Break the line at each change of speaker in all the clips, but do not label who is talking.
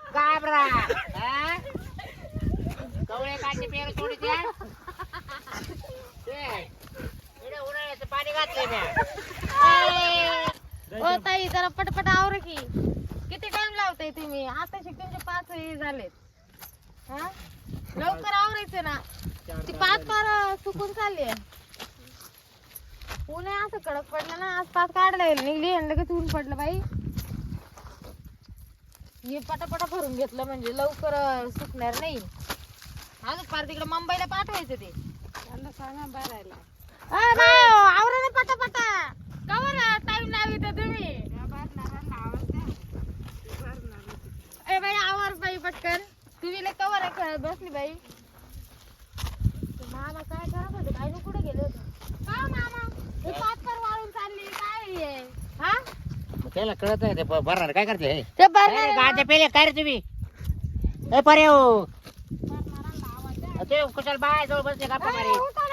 घाबरा कवळे काढते पेर थोडी द्या उन्हाळ्याचं पाणी घातलंय
ओ ताई जरा पटपट आवर की किती टाइम लावताय तुम्ही आता तुमचे 5 हे झालेत हा लवकर आवरायचं ना ती 5 पार सुकून चालली ऊन असं कडक पडलं ना आज 5 काढला निघली आणि लगेच ऊन पडलं बाई हे पटापटा भरून घेतलं म्हणजे लवकर सुकणार नाही अजून पार तिकडे मुंबईला पाठवायचं ते त्यांना सांगा भरायला आवरा ना पटापटा कवर टाइम लावी तर तुम्ही ए बाई आवर बाई पटकन तुम्ही लय कवर आहे खेळत बसली बाई मामा काय करत होते काय नु कुठे गेले होते का मामा हे 5 पर वाळून चालली काय आहे हा
त्याला कळत नाही ते भरणार काय करते
ते भरणार
गाड्या पेले काय रे तुम्ही ए परे हो ते कुशल बाय जवळ बसले गप्पा मारी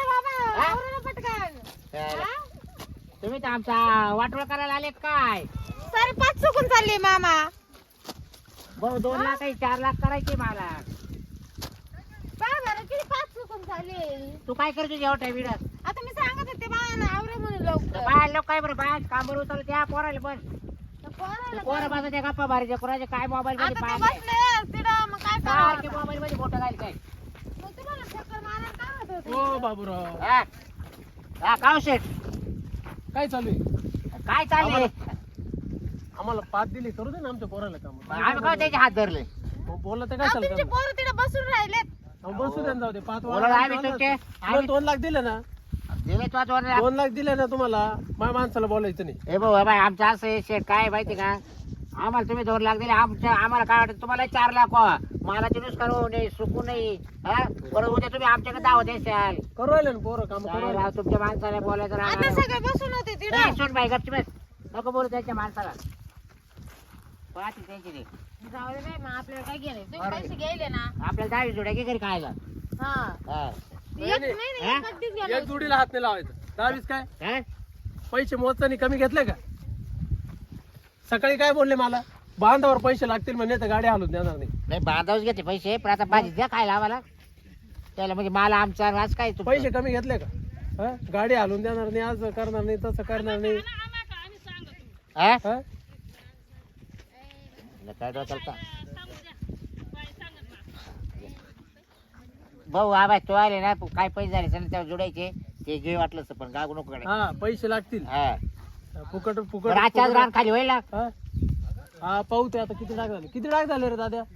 तुम्ही तर आमचा वाटोळ करायला आलेत काय
सारे 5 चुकून चालली मामा
भाऊ 2 लाख 4 लाख करायचे मला
काय बरं किती 5 चुकून चालली
तू काय करतो एवढ्या विडात
आता मी सांगत होते बाळांना आवरे म्हणून लवकर
बाय लोक काय बरं बाय कामावर उतरलं त्या पोराला बस पोरं माझा त्या गप्पा मारायच्या कोणाचे काय मोबाईल मध्ये
आता ते
पाय
बसले तिथं मग काय करावं
मोबाईल मध्ये फोटो घाल काय
मग तुम्हाला चक्कर मारायला काय होत होते
ओ बाबूराव
हा हा काव शेठ
काय चालू आहे
काय चाललंय
आम्हाला 5 दिली करू दे ना आमच्या पोराला काम
आम्ही काय त्याचे हात धरले
मग बोललं तर काय
तुमचे
चालतं
पोरं तिथे बसून राहिलेत
बसू दे ना, जाऊ दे 5
बोला आम्ही तुमचे
2 लाख दिले ना
दिले तो
2 लाख दिले ना तुम्हाला माझ्या माणसाला बोलायचं नाही
हे भाऊ बाय आमचं असं आहे शेठ काय माहिती का आम्हाला तुम्ही 2 लाख दिले आम्हाला काय वाटत तुम्हाला 4 लाख व्हा मला ते नुकसान होऊ नये सुकू नाही हा बरं उद्या तुम्ही आमच्याकडे दावत द्याल
करू राहिले ना पोरं काम करू
काय
राहिले.
राव तुमच्या माणसाला बोलायचं
आता
राव
सगळे बसून होते तिथे
सोड बाई गपची बस नको बोलू त्यांच्या माणसाला पाहते त्यांची ते
जाऊ दे बाई मग आपल्याला काय गेले तुम्ही
बरोबर.
पैसे घ्यायले ना
आपल्याला 10 जोड्या घे घरी खायला
हा
हा
एक नाही
हा?
कधीच
एक
गेलो
जोडीला हात नाही लावायचं 10 काय
हा?
पैसे मोजतानी कमी घेतले का सकाळी काय बोलले मला बांधावर पैसे लागतील म्हणजे तर गाडी हलून देणार नाही
नाही बांधावच घेते पैसे पण आता भाजी द्या खायला आम्हाला त्याला म्हणजे मला आमचा आज काय तुमचं?
पैसे कमी घेतले का हा? गाडी हलून देणार नाही आज करणार नाही तसं करणार नाही
हा?
हा?
काय डोक्याला का? भाऊ आबा तू आले ना काय पैसे झाले सर त्यावर जोडायचे ते घे वाटलं असतं, पण गागू नको कडे
हा पैसे लागतील
हा
फुकट
बरं,
फुकट
आजच्याच रान खाली होईल ना
हा? हा पाहू ते आता किती डाग झाले रे दाद्या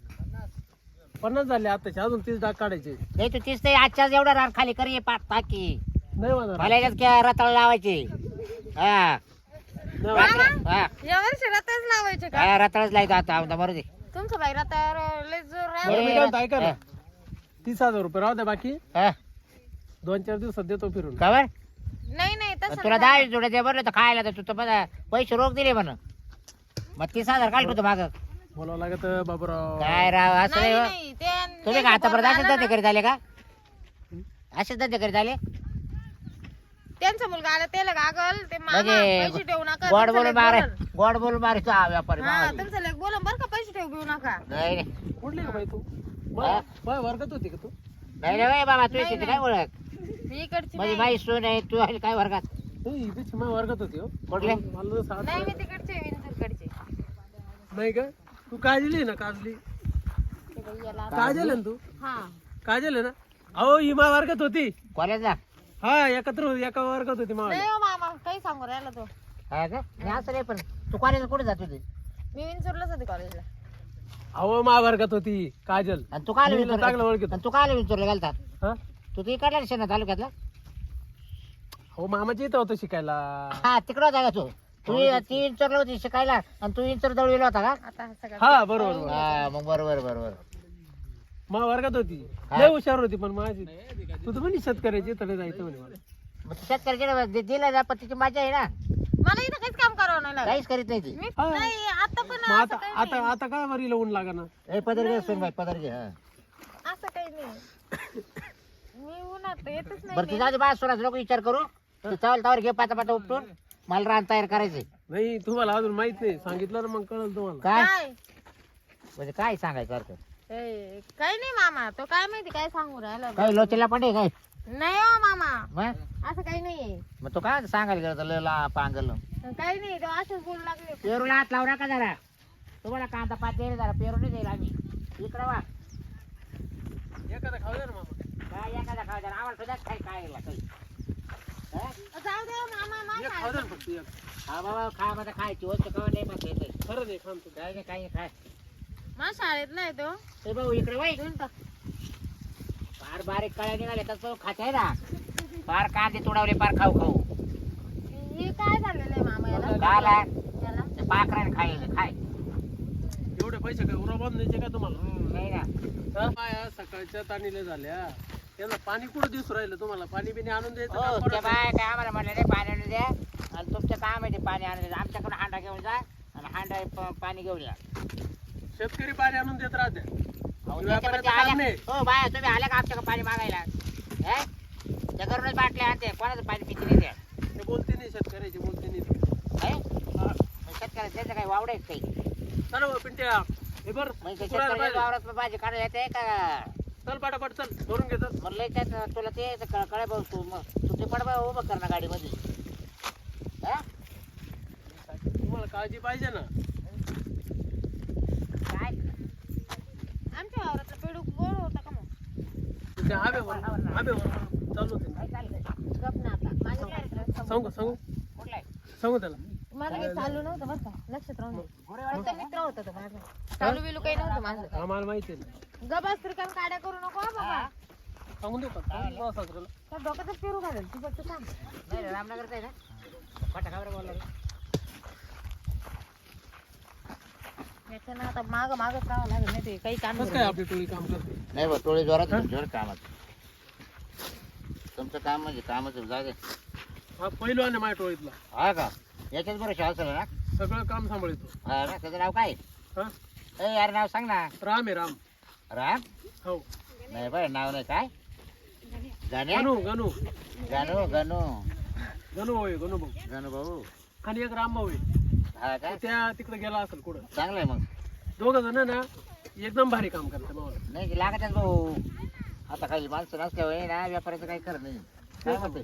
50 झाले आताचे अजून 30 डाग काढायचे
नाही तू तीच ते आजच्याच एवढं रान खाली कर टाकी
नाही होणार
मला याच्यात रताळ लावायचे हा
नाही होणार.
हा
या वर्षी रताच लावायचे का
हा, रताळच लायचं आता आमदा मरू दे
तुमचं बाई रतावर लय जोर
बरं,
राहिला.
मी काय म्हणतो, ऐका ना 30,000 रुपये राहू द्या बाकी
हा
2-4 दिवसात देतो फिरून
खबर
नाही नाही तसं
तुला
नाही.
10 जोड्या दे बरं तर खायला तर तू तर मला पैसे रोख दिले म्हण मग 30,000 काढ तू माग
बोलावं लागत बाबूराव
काय राव असं
नाही
नाही हो.
नाही ते
तुम्ही का आतापर्यंत असेच धंदे करीत आले का असेच धंदे करीत आले
त्यांचा मुलगा आला त्याला गागल ते मामा
म्हणजे
पैसे ठेवू नका
गोड
तुमचं
बोलून
लेक
मारे
बोलल.
गोड बोलून मारायचा हा व्यापारी
हा
मावाली.
तुमचं लेक बोलून बरं का पैसे ठेवू घेऊ नका
नाही नाही
कुठली का बाई तू
हा?
बाय वर्गात होती का तू
नाही रे बाबा तू शेती काय ओळख
मी इकडची
म्हणजे
नाही.
माई सून आहे तू आहे काय वर्गात
नाही इथे माझ्या वर्गात होती हो
कुठले?
मला तर साथ
नाही मी तिकडचे विंचूरकडचे
नाही का तू काजली ना काजली
ते बाई याला
काजल आहे ना तू
हा
काजल आहे ना अहो ही माझ्या वर्गात होती
कॉलेजला
हा एकत्र एका वर्गात होती माझ्या
नाही हो मामा काही सांगू राहिला तो
हा का नाही असं नाही पण तू कॉलेजला कुठे जात होती
मी विंचूरलाच होते कॉलेजला
अहो माझ्या वर्गात होती काजल
आणि तू काय
मी हिला चांगलं ओळखीत
आणि तू काय विचारलं घालता
हा
तू ती इकडला शेणा तालुक्यातला
हो मामाची इथं होतं शिकायला
हा तिकडं होता का तू ती इंचरला होती शिकायला आणि तू इंचर दळवीला होता का
आता हा सगळं
हा बरोबर बरोबर.
हा मग बरोबर बरोबर
माझ्या वर्गात होती
हा.
लय हुशार होती पण माझी तू तर म्हणे शेतकऱ्याची इथं नाही जायचं म्हणे मला
मग तू शेतकऱ्याच्या दिला जा पण तिची मजा आहे ना
मला इथं काहीच काम करावं नाही लागत.
काहीच करीत नाही ती
मी
हा.
नाही आता पण
मग
असं
आता
काही
आता आता काय वरीला ऊन लागा ना
ए पदर घे सोन बाई पदर घे हा
नाही. असं काही नाही मी उन्हात येतच नाही
बरं
मी.
तुझा बाय सोनाचा नको विचार करू तू चावल तावर घे पाता पाता उपटून मला रान तयार करायचंय
नाही तुम्हाला अजून माहित नाही सांगितलं ना मग कळलं तुम्हाला
काय
काय
म्हणजे काय सांगायचं अर्थ
काही नाही मामा, तो काय माहिती काय सांगू राहिला.
काय लोचेला पण आहे काय
नाही हो मामा,
मग
असं काही नाहीये.
मग तो काय सांगायला गेला लयला पांगल
काही नाही, तो असंच बोलू लागले.
पेरूला हात लावू नका जरा. तुम्हाला कांदा पात द्यायला जरा पेरू नाही जाईल आम्ही इकडं वा
एखादा खाऊ दे ना मामा.
काय एखादा खावा जरा आम्हाला सुद्धा काही काय काही हा?
जाऊ दे हो मामा,
एक खाऊ दे ना फक्त एक.
हा बाबा खा मध्ये खायची वस्तू कवा नाही मग येते
खरं नाही खाम तू.
काय नाही काही नाही, खाय
मा शाळेत नाही तो.
ते भाऊ इकडे वय फार बारीक कळ्या निघाले तर खात आहे ना फार कांदे तुडवले फार खाऊ खाऊ
हे काय झालेलं आहे मामा याला?
झाला
याला?
ते पाखराने खायला खाय
एवढे पैसे काय उरा बांधून द्यायचे का तुम्हाला?
नाही ना
बाया सकाळच्या ताणीला झाल्या, त्यांना पाणी कुठं दिसू राहिलं तुम्हाला? पाणी बिणी आणून द्यायचं
हो
काम
त्या
पडत नाही.
बाय काय आम्हाला म्हणलं नाही पाणी आणून द्या आणि तुमचं काम आहे ते पाणी आणून द्या आमच्याकडून हांडा घेऊन जा आणि हांडा पाणी घेऊन या
शेतकरी पाणी आणून देत राहते.
अहो,
व्यापाऱ्याचं
त्याच्यामध्ये
काम
आल्या
नाही.
हो बाया तुम्ही आल्या का आमच्याकडे पाणी मागायला हे? त्या घरूनच बाटल्या आणते कोणाचं पाणी पिती नाही द्या
ते बोलते नाही, शेतकऱ्याची बोलते नाही.
शेतकऱ्याचं त्याचं काही वावडायच काही
चला बा, पिंट्या हे बर
म्हणजे शेतकऱ्याच्या वावरात भाजी काढायला येते का
चल पाटापाट चल भरून घेतात.
म्हणलं त्यात तुला ते कळे भाऊ तू मग तू ते पड उभं कर ना गाडीमध्ये हा?
तुम्हाला काळजी पाहिजे ना.
काय
आमच्या वावरातलं पेडू गोड होता का मग?
ते हवेवर चालू होते.
काय चाललंय
गप ना आता, माझ्या कार्यक्रम
सांगू
कुठलं आहे?
सांगू त्याला.
माझं काही चालू नव्हतं बरं का, लक्षात राहून दे.
गोरेवाडीचं
फक्त मित्र होता तो माझा, चालू बिलू काही नव्हतं माझं.
आम्हाला माहिती आहे ना.
गबास तरी काम काड्या करू नको हा बाबा.
सांगून देऊ का? सांगून देऊ सासऱ्याला.
त्या डोक्यातच पेरू घालेल तू फक्त सांग.
नाही रे, रामनगरचं आहे ना फटाकावर बोलला रे.
याच्यानं आता मागच राहावं लागेल, नाही ते काही काम
कसं काय आपली टोळी काम करते?
नाही बा टोळी जोरात जोरात कामात तुमचं काम म्हणजे कामच जागे
हा पहिलवान आहे माझ्या टोळीतला.
हा का याच्याच बरं असेल ना
सगळं काम सांभाळतो.
हा ना त्याचं नाव काय
हा
ए यार नाव सांग ना
राम आहे राम.
राम
हो
नाही बरं नाव नाही काय गाणे
गणू गणू
गणू गणू
गणू भाऊ आहे, गणू भाऊ.
गणू भाऊ
आणि एक राम भाऊ आहे.
हा का
त्या तिकडे गेला असेल कुठं.
चांगलं आहे मग
दोघं जण ना एकदम भारी काम करतात मावला.
नाही लागतच भाऊ आता काही माणसं नसल्यावर ना व्यापाराचं काही खरं नाही काय म्हणते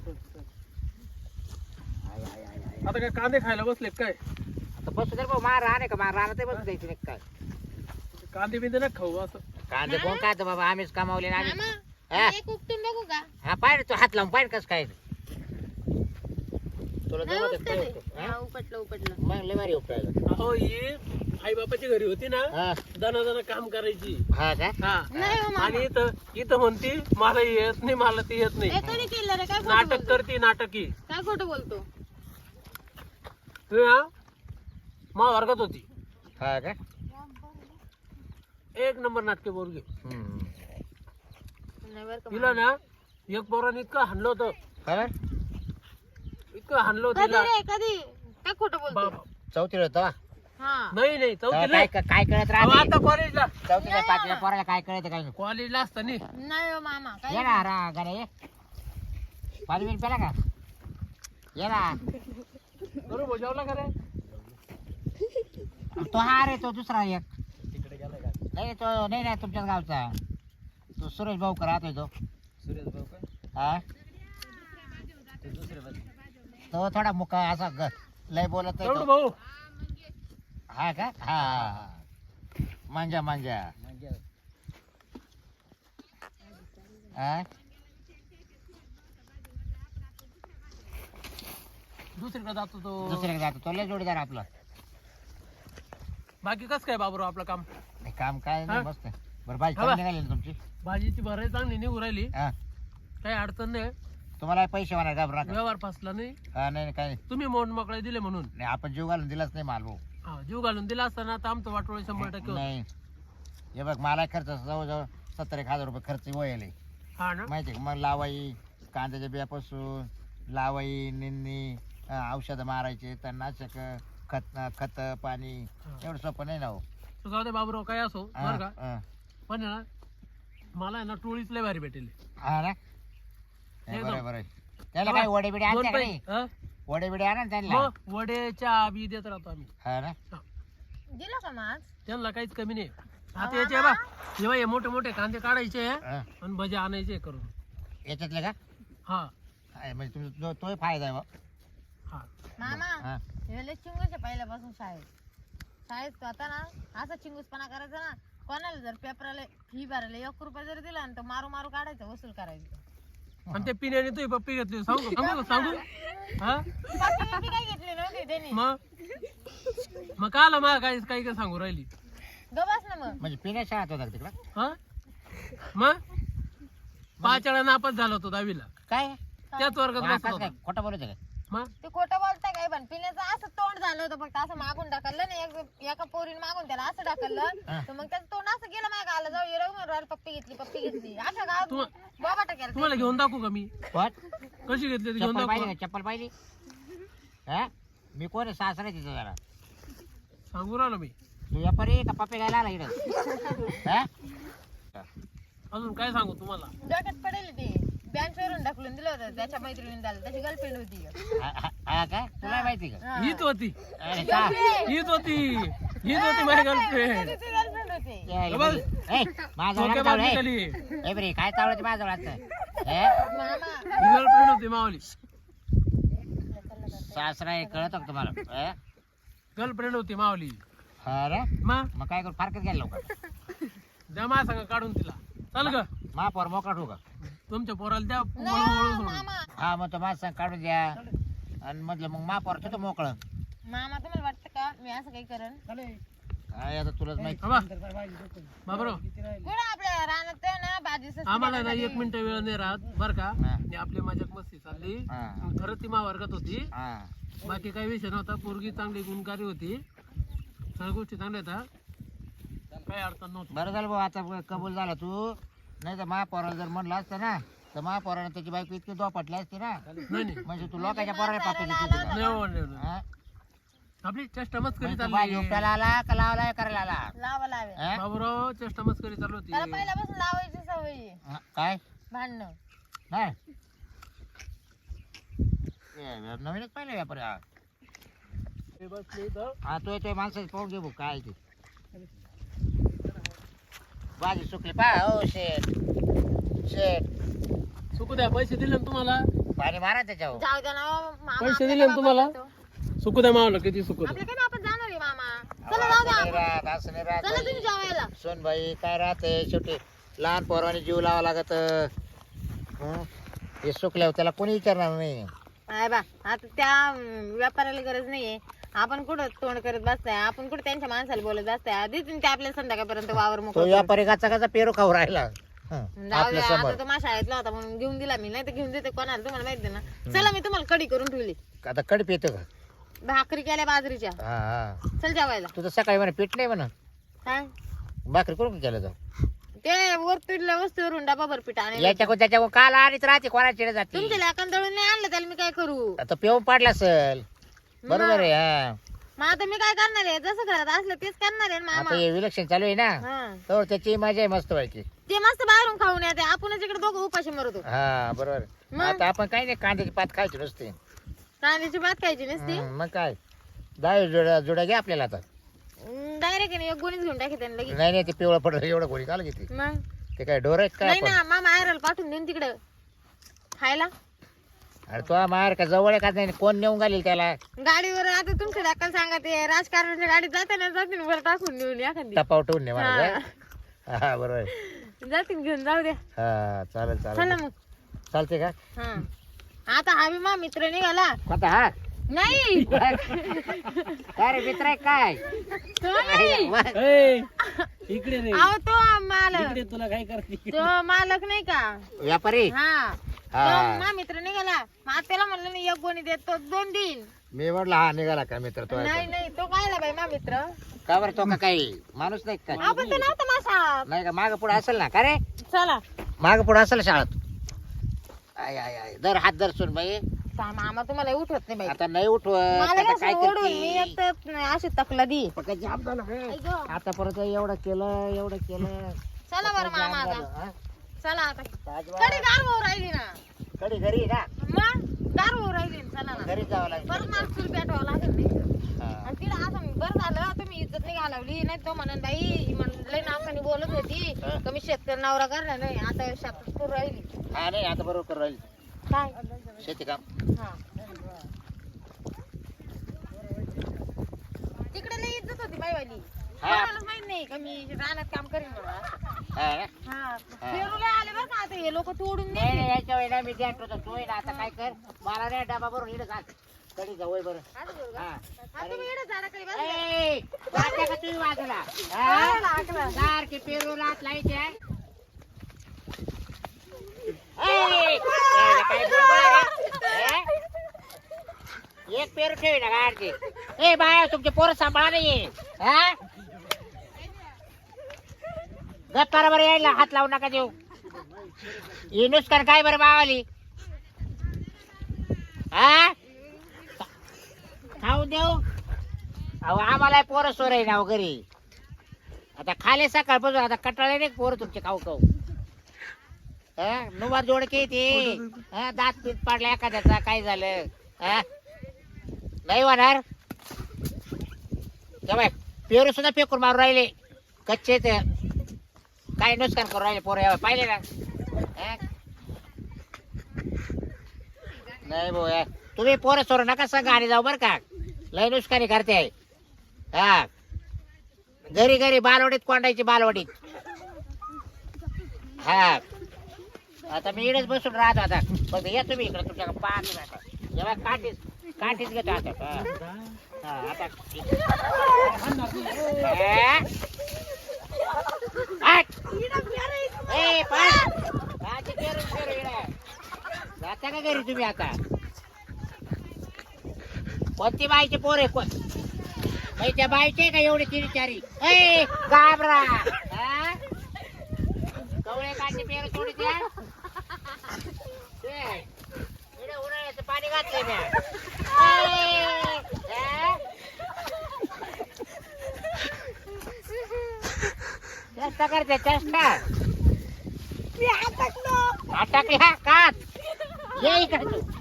आय, आय, आय, आय.
आता काय कांदे खायला बसले काय?
आता बसू दे रे भाऊ मार राहणे का मार राहणं ते बसू द्यायची नाही काय
कांदे बिंदे ना खाऊ असं.
कांदे कोण काय बाबा आम्हीच कमावले ना आम्ही
मामा,
हा?
एक उपटून बघू का?
हा पाय तू हात लावून पाय कसं काय तुला
नाही
जमत
उपटत
आहे
आहे.
काय?
हा, उपटलं.
मग लय भारी उपटायला
अहो ही आई बापाची घरी होती ना,
हा
दना काम करायची.
हा का
हा
नाही हो मामा.
आणि इथं म्हणती मला येत नाही, मला ते येत नाही.
हे कधी केलं रे? काय खोटं
नाटक
बोलतो?
करती नाटकी.
काय खोटं बोलतो?
मा वर्गात होती
हा का
एक नंबर नाटके बोरगी.
हम्म.
नाही बरं का
तिला
मामा.
ना एक पोराने इतकं हाणलं होतं,
काय
इतकं हाणलं होतं
कधी
तिला.
रे? कधी? काय खोटं बोलतो?
बाबा.
चौथीला होता
हा.
नाही चौथीला
काय काय कळत
अहो,
राहते
आता कॉलेजला
चौथीला पाचव्या पोराला काय कळत काय
कॉलेजला असताना
नाही हो मामा, काय
ये ना रा गाड्या ये 5 मिनिट पेला का ये ना
बरोबर जेवला का रे?
तो हा रे तो दुसरा एक नाही तो नाही तुमच्याच गावचा तो सुरेश भाऊ राहतोय तो हा तो थोडा मुका असा लय बोलत आहे
एवढं
तो.
भाऊ
हा का हा मांजा हा
दुसरीकडे जातो तो.
दुसऱ्याकडे जातो तो लय जोडीदार आपला
बाकी कस काय बाबूराव आपलं काम?
नाही, काम काय नाही
हा?
मस्त बरं भाजी
हा बा.
चांगली निघाली ना तुमची
भाजीची भराई चांगली निघू राहिली,
हा
काही अडचण नाही.
तुम्हाला पैसे होणार घाबरा नका.
व्यवहार फसला नाही.
हा नाही काय नाही.
तुम्ही मोड मोकळे दिले म्हणून.
नाही आपण जीव घालून दिलाच नाही माल भाऊ
हा, जीव घालून दिला असताना आता आमचं वाटोळे 100% होतं.
नाही हे बघ मला खर्च जवळजवळ 70,000 रुपये खर्च वयले
हा ना.
माहिती आहे का मग लावाई कांद्याच्या बियापासून लावाई निंदणी औषधं मारायचे तणनाशक खत पाणी एवढं सोपं नाही ना हो
तू जाऊ दे बाबूराव, काय असो
हा,
बरं का.
हा.
पण आहे ना मला आहे ना टोळीच लय भारी भेटेल.
हा ना नाही,
एकदम.
बरोबर आहे. त्याला काय वडे बिडे आणते का नाही
हा?
वडे बिडे आणा ना त्यांना
मग वड्याच्या बी देत राहतो आम्ही.
हा ना
दिलं का मग आज?
त्यांना काहीच कमी नाही. आता याचे बा जेव्हा हे मोठे मोठे कांदे काढायचे
हा.
आणि भजे आणायचे करून.
याच्यातले का
हा
आहे, म्हणजे तुमचा तोही फायदा आहे बा.
हा
मामा
हा.
हे लय चिंगूस आहे पहिल्यापासून शाळेत तो आता ना असा चिंगूसपणा करायचा ना, कोणाला जर पेपराला फी भरायला 1 रुपया जर दिला ना तर मारू मारू काढायचं, वसूल करायचं.
आणि ते पिण्याने तुझी पप्पी घेतली सांगू सांगू सांगू हा
बाकी काय घेतली नव्हती त्यांनी.
मग का आला मला काही काही सांगू राहिली
गबास ना मग.
म्हणजे पिण्या शाळेत होता का तिकडं
हा मग 5 वेळा नापास झाला होतो 10वीला.
काय
त्याच वर्गात बसला
काय
होता.
खोटं बोलत का
मग
ते खोटं बोलताय काय, पण पिण्याचं असं तोंड झालं होतं फक्त असं मागून ढकललं ना, एका पोरीने मागून त्याला असं ढकललं तर मग त्याचं तोंड असं गेलं माझ्या गाला जाऊ ये म्हणून पप्पी घेतली अशा गावात बाबा टाकायला.
तुम्हाला घेऊन दाखवू का मी
कोण
कशी घेतली ती घेऊन
चप्पल पाहिली
दाखवू
का? चप्पल पाहिली हा मी कोण आहे? सासरा तिथं जरा
सांगू राहिलो मी.
तू व्यापारी का पप्पे घ्यायला आला इकडं हा?
अजून काय सांगू तुम्हाला.
डोक्यात पडेल ते बँकवरून ढकलून दिलं होतं, त्याच्या मैत्रिणीने झालं, त्याची गर्लफ्रेंड होती.
हा काय तुला माहिती का
हीच होती
अरे का?
हीच होती माझी गर्लफ्रेंड.
त्याची गर्लफ्रेंड होती.
ए,
बस.
ए, माझं
डोक्या
लग्न
बाजू
झालं,
खाली
ए बरे काय चावलं माझं वाटतं
मामा
गर्लफ्रेंड होती मावली.
सासरा हे कळत का तुम्हाला हे?
गर्लफ्रेंड होती मावली.
हा रे
मग
मग काय करू फारकत घ्यायला लवकर
द्या माझ्या संग काढून तिला. चल ग
महापौर मोकळा ठेवू का
तुमच्या पोराला द्या
नाही
वळू
हो,
सोडून.
मामा
हा मग तो माझं काढून द्या आणि म्हटलं मग महापौर ठेवतो मोकळं
मामा तुम्हाला वाटतं का मी असं काही करण?
काय आता तुलाच माहिती
बाबा बाबरो
कुठं आपल्या रानात आहे ना भाजी सस्ती
आम्हाला ना
देण्यासाठी.
1 मिनिट वेळ नाही राहत बर का.
हा.
आणि आपली मजाक मस्ती चालली.
हा.
खरंच ती वर्गात होती,
हा
बाकी काही विषय नव्हता. पोरगी चांगली गुणकारी होती, सगळ्या गोष्टी चांगल्या होत्या, काही अडचण नव्हती.
बरं झालं भाऊ आता कबूल झाला तू नाही तर महापौराला जर म्हणलं असतं ना तर महापौराने त्याची बायको इतकी दोपटली असते ना
नाही नाही
म्हणजे तू लोकांच्या पोराला पापी
नाही हो, नाही, नाही.
हा
आपली चेष्टा मस्करी
भाजी
चालली.
उपटायला आला का लावला करायला आला
लावा लावे
हा?
बाबूराव चेष्टा मस्करी चालू होती.
त्याला पहिल्यापासून लावायची सवय आहे.
हा, काय
भांडणं
नाही ए, नवीनच पाहिलं व्यापारी हा.
हे बसले इथं.
हा तो येतोय माणसाची पाहून घे भाऊ काय ते भाजी सुकली पा हो शेट शेट
सुकू द्या. पैसे दिले ना तुम्हाला.
पाणी मारा त्याच्यावर
जाऊ द्या ना हो, मामा
पैसे
आपल्या
दिले ना
काय
तुम्हाला?
बाबा करतो?
सुकू द्या मावलं किती सुकू द्या.
आपल्या काय आपण जाणार आहे मामा. चला जाऊ द्या
असं नाही
आपण.
राहत, असं नाही राहत
चला तुम्ही
बाई.
जेवायला.
सोन भाई काय राहते शेवटी लहान पोराने जीव लावा लागत हे सुकल्यावर त्याला कोणी विचारणार नाही
आहे बा आता त्या व्यापाराला गरज नाहीये. आपण कुठं तोंड करत बसताय, आपण कुठं त्यांच्या माणसाला बोलत बसताय. देतील ते आपल्याला संध्याकाळपर्यंत वावर
तो
मोकळं.
व्यापारी गाचा पेरू खाऊ राहिला
जाऊ
आपल्या
द्या
समोर
आता तो माझ्या शाळेतला होता म्हणून घेऊन दिला मी, नाही तर घेऊन देते कोणाला तुम्हाला माहिती ना. चला मी तुम्हाला कढी करून ठेवली,
आता कडप येतो का
भाकरी केल्या बाजरीच्या.
हा हा
चल जेवायला.
तुझं सकाळी म्हणा पीठ नाही म्हणा
काय
भाकरी करून केलं तर
ते वर पिठल्या वस्तूवरून डबा भर पीठ आणि
याच्याकडून त्याच्याकडून काल आणीच राहते कोणाची जाते
तुमच्या लेकन दळून नाही आणलं त्याला मी काय करू?
आता पिऊन पाडला असेल बरोबर आहे हा
मग आता मी काय करणार आहे? जसं घरात असलं तेच करणार आहे ना
आता
मामा.
हे विलक्षण चालू आहे ना
हा.
तर त्याची मजा आहे मस्त व्हायची
ते मस्त बाहेरून खाऊन येते, आपणच इकडे दोघं उपाशी मरतो.
हा बरोबर
मग?
आता आपण काही नाही कांद्याची पात खायची नुसते
कांद्याची भात खायची नसती
मग काय 10 जोड्या घ्या आपल्याला आता
डायरेक्ट एक गोणीच घेऊन टाकी त्यांना लगेच.
नाही नाही ते पिवळं पडलं एवढं कोणी काल घेते
मग
ते काय डोर आहेत काय
नाही
आपण
ना मामा आयरल पाठवून देईन तिकडं खायला.
अरे तो मार का जवळ आहे का नाही कोण नेऊन घालील त्याला
गाडीवर आता तुमच्या दाखल सांगा, ते राजकारणाच्या गाडीत जाते ना, जातील वर टाकून नेऊन एखादी
टपाव ठेवून ने
हा.
मला हा बरोबर आहे.
जातील घेऊन जाऊ द्या.
हा चालेल
चला
चालेल
मग.
चालते का
हा आता हा बी मा मित्र निघाला.
कोणता हा
नाही
काय रे मित्र आहे काय
तो नाही.
मग
ए, इकडे रे
अहो तो मालक,
इकडे तुला काय करते.
तो मालक नाही का.
व्यापारी
हा
हा.
तो मा मित्र निघाला. मग त्याला म्हणलं मी 1 गोणी देतो 2 दिन.
मी म्हटलं हा निघाला का मित्र तो आहे
नाही नाही तो कायला बाई मा मित्र.
का? का बरं तो का काही माणूस नाही का
आपण तर नव्हतं मासा.
नाही का माग पुढे असेल ना का रे
चला
माग पुढे असेल शाळेत आय आय आय दर हात दर सुन बाई
मामा तुम्हाला उठवत नाही बाई.
आता नाही उठवत
मला
आता
कसं
काय
ओढून मी
करते
एक तर अशी तकला दी.
पक्का जाम झालं बे.
ऐक गं.
आता परत एवढं केलं
चला बरं
पक्का जाम
मामा
झालं,
आता
हा?
चला आता
ताजवा.
कधी गार होऊ राहिली ना.
कधी घरी ना
मग गार होऊ राहिली ना, चला ना.
घरी जावं लागेल
परत मला चूल पेटवावं लागेल नाही.
हा.
आणि तिला असं बरं झालं तुम्ही इज्जत नाही घालवली, नाही तो म्हणन बाई म्हणलं ना लोकांनी बोलत होती
हा.
कमी शेतकरी नवरा करणार नाही आता शेतात करू राहिली
हा नाही आता बरोबर करू राहील
काय
शेती काम.
हा तिकडे लई इज्जत होती बाईवाली
हा.
कोणालाच माहित नाही का मी रानात काम करीन म्हणून असं.
हा ना?
हा पेरूला आले बरं का आता हे लोक तोडून
नाही
नेते.
नाही, याच्या वेळेला मी द्या होतो तू ना आता काय कर मला नाही डबा भरून इकडे घाल कधी जवळ बरं.
असं करू का?
हा
हा, तुम्ही इकडे झाडाखाली बसा.
ए, जाते का तुम्ही बाजूला
हा, लागला.
सारखी पेरू रात लाईट आहे. ए, काय बरोबर आहे का? ए? एक पेरू ठेवी ना गाडची. ए बाया तुमचे पोरं सांभाळा नाही हा गप्पारा बरं यायला हात लावू नका देऊ ही नुसकान काय बरं बावाली हा खाऊ देऊ अहो आम्हाला पोरं सोर आहे ना घरी आता खाले सकाळपासून आता कटाळे नाही पोरं तुमचे खाऊ खाऊ नुवार जोडके ते दात पीठ पाडला एखाद्याचा काय झालं हा नाही होणार बाय पेरू सुद्धा फेकून मारून राहिले कच्चे ते काय नुकसान करून राहिले पोरं पाहिले ना नाही भाऊ तुम्ही पोरं सोर नका सांगा आणि जाऊ बरं का लय नुकसानी करते हा घरी घरी बालवडीत कोंडायची बालवडीत हा आता मी इकडेच बसून राहतो आता फक्त या तुम्ही इकडे तुमच्या पाहतो आता जेव्हा काठीच घेतो आता हा आता जाता का घरी तुम्ही आता कोणती बाईचे पोर आहे कोण त्या बाईचे का एवढे तीन चारी ए घाबरा कवळे काढते पेर थोडी द्या उन्हाळ्याचं पाणी घातलंय मी चेष्टा करते चेष्टा अटकली हा काच ये इकडे तू